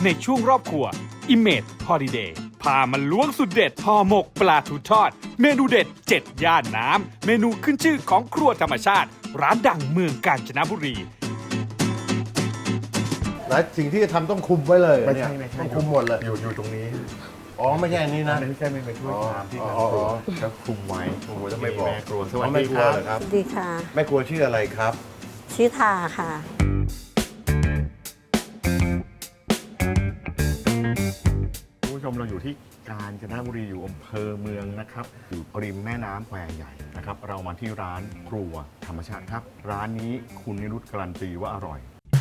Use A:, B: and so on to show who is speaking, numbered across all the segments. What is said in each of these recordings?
A: ในช่วงรอบครัว Image Holiday พามาล้วงสุดเด็ดห่อหมกปลาทูทอด เมนูเด็ด 7 ย่านน้ำ เมนูขึ้นชื่อของครัวธรรมชาติ ร้านดังเมืองกาญจนบุรี
B: และสิ่งที่จะทำต้องคุมไว้เลย
C: ไม่
B: เนี่ย
C: ใช่ไม่ใช่
B: ต้องคุมหมดเลย
C: อยู่ตรงนี้
B: อ๋อไม่ใช่อันนี้นะ
C: ไม่ใช่ไม่เป็นถ้วยชามที่
B: อ๋
C: มัน
B: อ
C: ครัว
B: อ๋อ
C: แล้วคุมไว้
B: โอ้โหจะไม่บอก
C: แม่ครัวสวัส
B: อ๋อแม่
C: ดี
B: ค
C: ค
B: รัว
C: รับ
B: เหรอครับ
D: สวัสดีค่ะ
B: แม่ครัวชื่ออะไรครับ
D: ชื่อทาค่ะ
C: คุณผู้ชมเราอยู่ที่กาญจนบุรีอยู่อำเภอเมืองนะครับอยู่ริมแม่น้ำแควใหญ่นะครับเรามาที่ร้านครัวธรรมชาติครับ ร้านนี้คุณนิรุตการันตีว่าอร่อย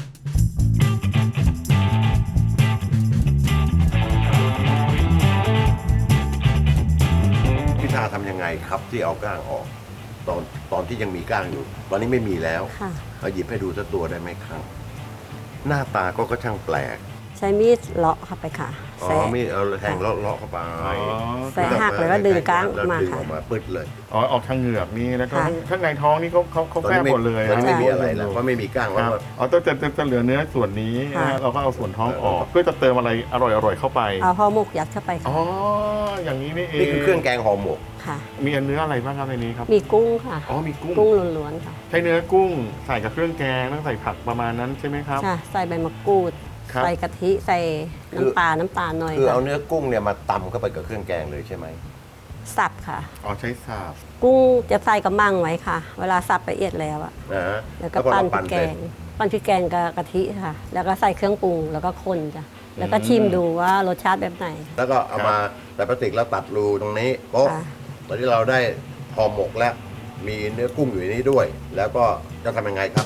B: พิธาทำยังไงครับที่เอาก้างออก ตอนที่ยังมีก้างอยู่ ตอนนี้ไม่มีแล้ว
D: ค่ะ
B: เอาหยิบให้ดูสักตัวได้ไหมครับ หน้าตาก็ช่างแปลก
D: ใช้มีดเลาะเข้าไปค่ะ
B: อ๋อ
D: แซะ
B: มีเอาแทงเลาะๆเข้าไป
D: แซะหักเลยแล้วดึงก้าง
B: แล้ว
D: มา
B: ดึง
D: ค่ะ
B: ออกมาปึ๊ดเลย
C: อ๋อออกทางเหงือกนี่แล้วก็
D: ค่ะ
C: ข้างในท้องนี่เขา
B: ตอน
C: แฝ
B: นี้
C: ง
B: ไม่
C: หมดเลย
B: ตอนนี้ไม่มี
D: ใช่
B: อะไรแล้วเพราะไม่มีก้าง
C: ค
B: แล้ว
C: รับ
B: ก็
C: อ๋อจะเหลือเนื้อส่วนนี้
D: ค่ะ
C: นะเราก็เอาส่วนท้องออก เพื่อจะเติมอะไรอร่อยๆเข้าไป
D: เอาห่อหมกยัดเข้าไป
C: อ๋
D: ค่ะ
C: ออย่างนี้นี่เอง
B: นี่คือเครื่องแกงห่อหมก
D: ค่ะ
C: มีเนื้ออะไรบ้างครับในนี้ครับ
D: มีกุ้งค่ะ
C: อ๋อมีกุ้ง
D: กุ้งล้วนๆค่ะ
C: ใช้เนื้อกุ้งใส่กับเครื่องแกงต้องใส่ผักประมาณนั้นใช่ไหมครับ
D: ค่ะ ใส่ใบมะกรูด
C: ครับ
D: ใส่กะทิ ใส่น้ำตาลหน่อย
B: คือ
D: ค่ะ
B: เอาเนื้อกุ้งเนี่ยมาตำเข้าไปกับเครื่องแกงเลยใช่ไหม
D: สับค่ะ
C: อ๋อใช้สาบ
D: กุ้งจะใส่กระมังไว้ค่ะ เวลาสับละเอียดแล้วอะ
B: นะฮะ
D: แล้วก็ปั้นพริกแก
B: เสร็จ
D: ง ปั้นพริกแกงกับกะทิค่ะ แล้วก็ใส่เครื่องปรุงแล้วก็คนจ้ะ แล้วก็ชิมดูว่ารสชาติแบบไหน
B: แล้วก็เอามาใส่พลาสติกแล้วตัดรูตรงนี้โป๊ะ
D: ค่ะ
B: ตอนที่เราได้ห่อหมกแล้ว มีเนื้อกุ้งอยู่ในนี้ด้วย แล้วก็จะทำยังไงครับ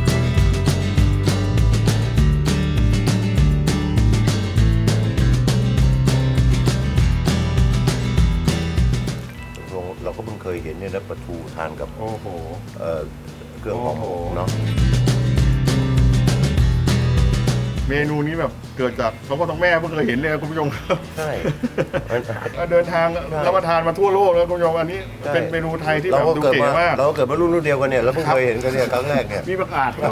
B: เราก็เพิ่งเคยเห็นเนี่ยนะปลาทูทานกับ
C: โอ้โห
B: เครื่องห่อหมกเนาะ
C: เมนูนี้แบบเกิดจากเขาก็ต้องแม่เพิ่งเคยเห็นเลยคุณผู้ชมครับ
B: ใช่
C: เดินทางรับประทานมาทั่วโลกแล้วคุณผู้ชมอันนี้
B: ใช่
C: เป็นเมนูไทยที่แบ
B: เรา
C: บ
B: ก็
C: ดู
B: เกิด
C: เก๋
B: มาม
C: าก
B: เราก็เกิดมารุ่นเดียวกันเนี่ยแล้วเพิ่ง
C: ครับ
B: เคยเห็นกันเนี่ยครั้งแรกเนี่ย
C: มีประกาศครับ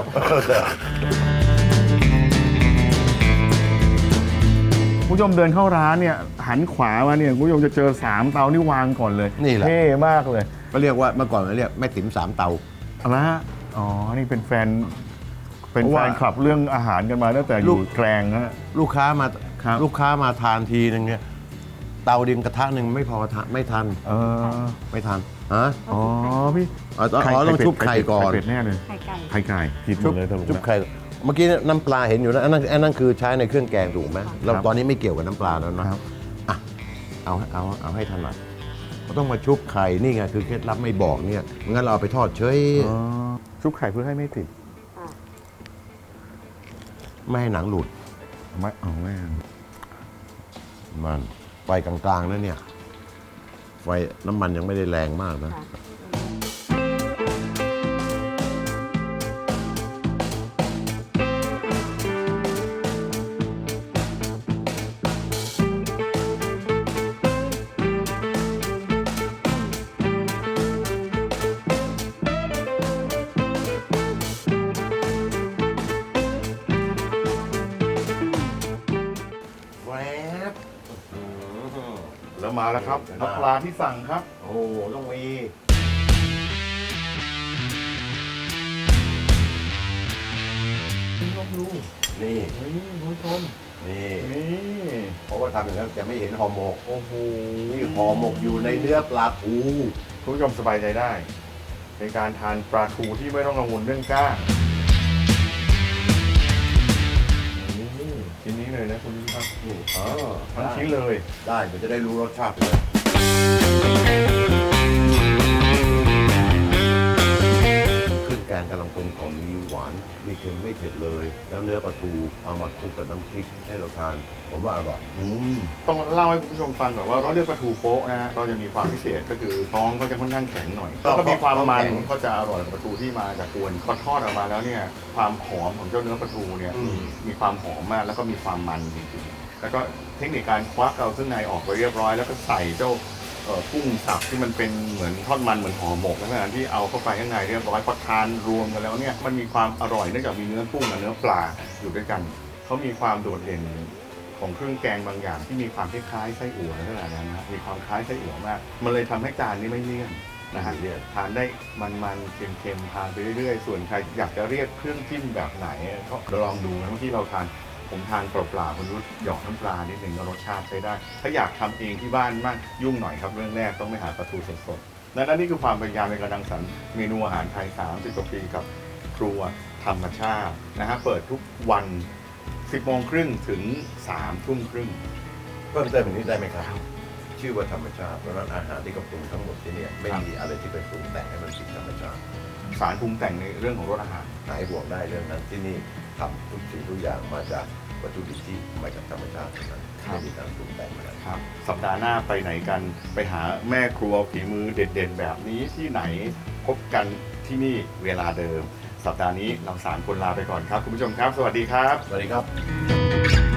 C: คุณผู้ชมเดินเข้าร้านเนี่ยหันขวามาเนี่ยคุณผู้ชมจะเจอ3เตานี่วางก่อนเลย
B: นี่แหละ
C: เท่มากเลย
B: ก็เรียกว่าเมื่อก่อนเราเรียกแม่ติ๋ม3เตา
C: เอาละฮะอ๋อนี่เป็นแฟน
B: เพราะ
C: แฟ
B: ว่า
C: นคลับเรื่องอาหารกันมาตั้งแต่อยู่แกลงฮะ
B: ลูกค้ามา
C: ครับ
B: ลูกค้ามาทานทีนึงเนี่ยเตาดินกระทะหนึ่งไม่พอทานไม่ทัน
C: เออ
B: ไม่ทันฮะ
C: อ๋อพี่
B: อ๋อต้องชุบไข่ก่อน
C: ไข่เป็ดแน่เลย
D: ไข่ไก่
C: ไข่ไก่ผิดหม
B: ชุบ
C: ดเลยสรุป
B: ชุบ
C: นะ
B: ไข่เมื่อกี้น้ำปลาเห็นอยู่นะอันนั้นคือใช้ในเครื่องแกงถูกไหมเรา
C: ครับ
B: ตอนนี้ไม่เกี่ยวกับน้ำปลาแล้วนะครับ อ่ะเอาให้ถนัดเราต้องมาชุบไข่นี่ไงคือเคล็ดลับไม่บอกเนี่ยงั้นเราเอาไปทอดเฉย
C: อ๋อชุบไข่เพื่อให้ไม่ติด
B: ไม่ให้หนังหลุด
C: ไม่เอาแม่
B: มันไฟกลางๆนะเนี่ยไฟน้ำมันยังไม่ได้แรงมากนะ
D: ค่ะ
B: แวบ
C: แล้วมาแล้วครับน้ำปลาที่สั่งครับ
B: โอ้ต้องมี
C: ต้องดู
B: นี่
C: นี่คุณผู้ชม
B: นี่
C: นี่
B: เพราะว่าทำอย่างนั้นจะไม่เห็นห่อหมก
C: โอ้โห
B: นี่ห่อหมกอยู่ในเนื้อปลาทู
C: คุณผู้ชมสบายใจได้ ในการทานปลาทูที่ไม่ต้องกังวลเรื่องก้างนี่ชิ้นนี้เลยนะคุณผู้ชมครับ
B: นี่
C: อ๋อทั้งชิ้นเลย
B: ได้เดี๋ยวจะได้รู้รสชาติเลยเครื่องแกงกำลังกลมกล่อมมีหวานมีเค็มไม่เผ็ดเลย แล้วเนื้อปลาทูเอามาคลุกกับน้ำพริกให้เราทานผมว่าอร่อย
C: ต้องเล่าให้คุณผู้ชมฟังก่อนว่าเราเรียกปลาทูโป๊ะนะฮะก็จะมีความพิเศษก็คือท้องก็จะค่อนข้างแข็งหน่อยแล้วก็มีความมันก็จะอร่อยกว่าปลาทูที่มาจากกวนพอทอดออกมาแล้วเนี่ยความหอมของเจ้าเนื้อปลาทูเนี่ยมีความหอมมากแล้วก็มีความมันจริงๆแล้วก็เทคนิคการควักเอาเครื่องในออกไปเรียบร้อยแล้วก็ใส่เจ้ากุ้งสับที่มันเป็นเหมือนทอดมันเหมือนห่อหมกนะที่เอาเข้าไปข้างในเรียบร้อยพอทานรวมกันแล้วเนี่ยมันมีความอร่อยเนื่องจากมีเนื้อกุ้งกับเนื้อปลาอยู่ด้วยกันเขามีความโดดเด่นของเครื่องแกงบางอย่างที่มีความคล้ายๆไส้อั่วขนาดนั้นนะมีความคล้ายไส้อั่วมากมันเลยทำให้จานนี้ไม่เลี่ยนนะฮะทานได้มันๆเค็มๆทานไปเรื่อยๆส่วนใครอยากจะเรียกเครื่องจิ้มแบบไหนก็ลองดูนะที่เราทานผมทานเปล่าๆคุณรู้หยอกน้ำปลานิดนึงก็รสชาติใช้ได้ ถ้าอยากทำเองที่บ้านมากยุ่งหน่อยครับเรื่องแรกต้องไปหาปลาทูสดๆนั่นนี่คือความพยายามในการรังสรรค์เมนูอาหารไทย30 กว่าปีกับครัวธรรมชาตินะฮะเปิดทุกวัน 10 โมงครึ่งถึง 3 ทุ่มครึ่ง
B: เพิ่มเติมอีกนิดได้ไหมครับ ชื่อว่าธรรมชาติเพราะฉะนั้นอาหารที่เขาปรุงทั้งหมดที่เนี่ยไม่มีอะไรที่ไปปรุงแต่งให้มันผิดธรรมชาติ
C: สารปรุงแต่งในเรื่องของรสอาหาร
B: หายห่วงได้เรื่องนั้นที่นี่ทำทุกสิ่งทุกอย่างมาจากวัตถุดิบที่มาจากธรรมชาติเท่านั้น
C: ครับ
B: ไม่มีการปรุงแต่งอะไร
C: ครับสัปดาห์หน้าไปไหนกันไปหาแม่ครัวฝีมือเด่นๆ แบบนี้ที่ไหนพบกันที่นี่เวลาเดิม สัปดาห์นี้เรา3 คนลาไปก่อนครับคุณผู้ชมครับ สวัสดีครับ
B: สวัสดีครับ